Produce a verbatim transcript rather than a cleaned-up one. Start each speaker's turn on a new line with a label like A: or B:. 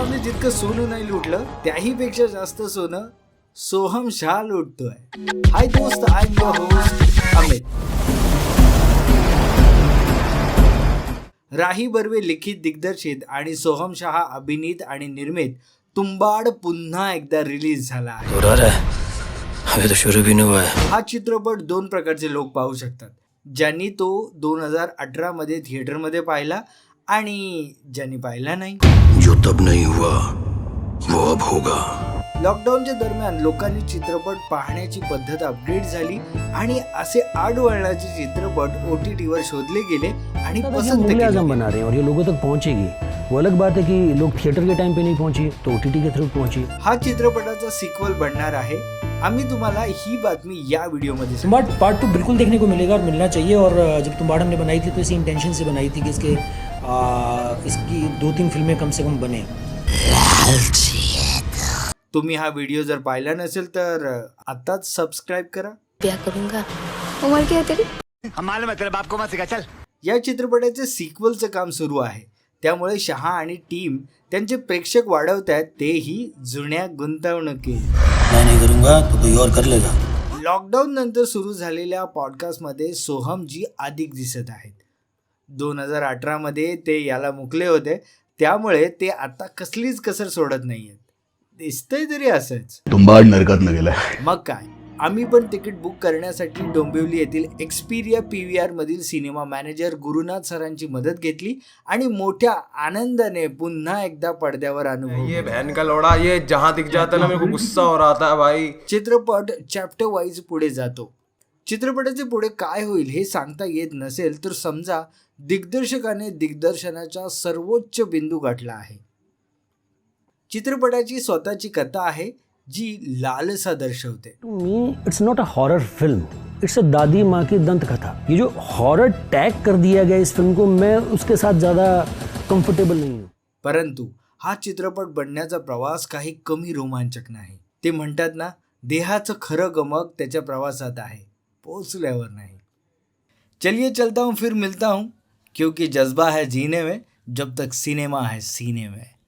A: शाहने जितकं सोनं नाही लुटलं त्याही पेक्षा जास्त सोनं सोहम शाह लुटतोय. हाय दोस्त, I am your host Amit. Rahi Barve लिखित, दिग्दर्शित आणि सोहम शाह अभिनीत आणि निर्मित तुंबाड पुन्हा एकदा रिलीज झाला आहे.
B: अभी तो शुरू भी नहीं हुआ है.
A: हा चित्रपट दोन प्रकारचे लोक पाहू शकतात. ज्यांनी तो दोन हजार अठरा मध्ये थिएटरमध्ये पाहिला आणि ज्यांनी पाहिला नाही.
B: जो तब नहीं हुआ वो अब होगा.
A: लॉकडाऊनच्या दरम्यान लोकांनी चित्रपट पाहण्याची पद्धत अपग्रेड झाली आणि असे आडवळणाचे चित्रपट ओटीटी वर शोधले गेले आणि पसंत केले.
C: आजम बना रहे हैं और ये लोगों तक पहुंचेगी. वो अलग बात है कि लोग थिएटर के टाइम पे नहीं पहुंचे तो ओटीटी के थ्रू पहुंची.
A: हा चित्रपटाचा सिक्वल बनणार आहे. आम्ही तुम्हाला ही बातमी या व्हिडिओमध्ये
D: तुम्बाड़ पार्ट टू बिल्कुल देखने को मिलेगा और मिलना चाहिए. और जब तुम्बाड़ हमने बनाई थी तो इसी इंटेंशन से बनाई थी कि इसके आ, इसकी दो तीन फिल्में कम से कम बने.
A: तुम्ही हा व्हिडिओ जर पाहिला नसेल तर आताच सबस्क्राइब करा.
E: ब्याह करूंगा. उम्र क्या है तेरी?
F: हमारे मतलब आपको मत सिखा चल.
A: या चित्रपटाचे सिक्वलचं काम सुरू आहे. त्यामुळे शहा आणि टीम त्यांचे प्रेक्षक वाढवतात, तेही जुन्या गुंतवणुकीत.
B: मैं नहीं करूंगा तो कोई और कर लेगा.
A: लॉकडाऊन नंतर सुरू झालेल्या पॉडकास्टमध्ये सोहमजी अधिक दिसत आहेत. दोन हजार अठरा मध्ये ते याला मुकले होते, त्यामुळे ते आता कसलीच कसर सोडत नाहीयेत. दिसतंय तरी असंच.
G: तुंबाड नरकात न गेलाय.
A: मग काय, आम्ही पण तिकीट बुक करण्यासाठी डोंबिवली येथील एक्सपिरिया पी व्ही आर मधील सिनेमा मॅनेजर गुरुनाथ सरांची मदत घेतली आणि मोठ्या आनंदाने पुन्हा एकदा पडद्यावर अनुभव.
H: ये बहन का लोड़ा, ये जहां दिख जाता ना मेरे को गुस्सा हो रहा था भाई.
A: चित्रपट चॅप्टर वाईज पुढे जातो. चित्रपटाचे पुढे काय होईल हे सांगता येत नसेल तर समजा दिग्दर्शकाने दिग्दर्शनाचा सर्वोच्च बिंदू गाठला आहे. चित्रपटाची स्वतःची कथा आहे जी लालसा दर्शवते.
C: To me it's not a horror film, it's a दादी माँ की दंत कथा. ये जो हॉरर टैग कर दिया गया इस फिल्म को, मैं उसके साथ ज़्यादा कंफर्टेबल नहीं हूँ.
A: परंतु हा चित्रपट बनण्याचा प्रवास काही कमी रोमांचक नाही. ते म्हणतात ना, देहाचं खरं गमक त्याच्या प्रवासात आहे, पोचल्यावर नाही. चलिए चलता हूँ फिर मिलता हूँ, क्योंकि जज्बा है जीने में जब तक सिनेमा है सीने में.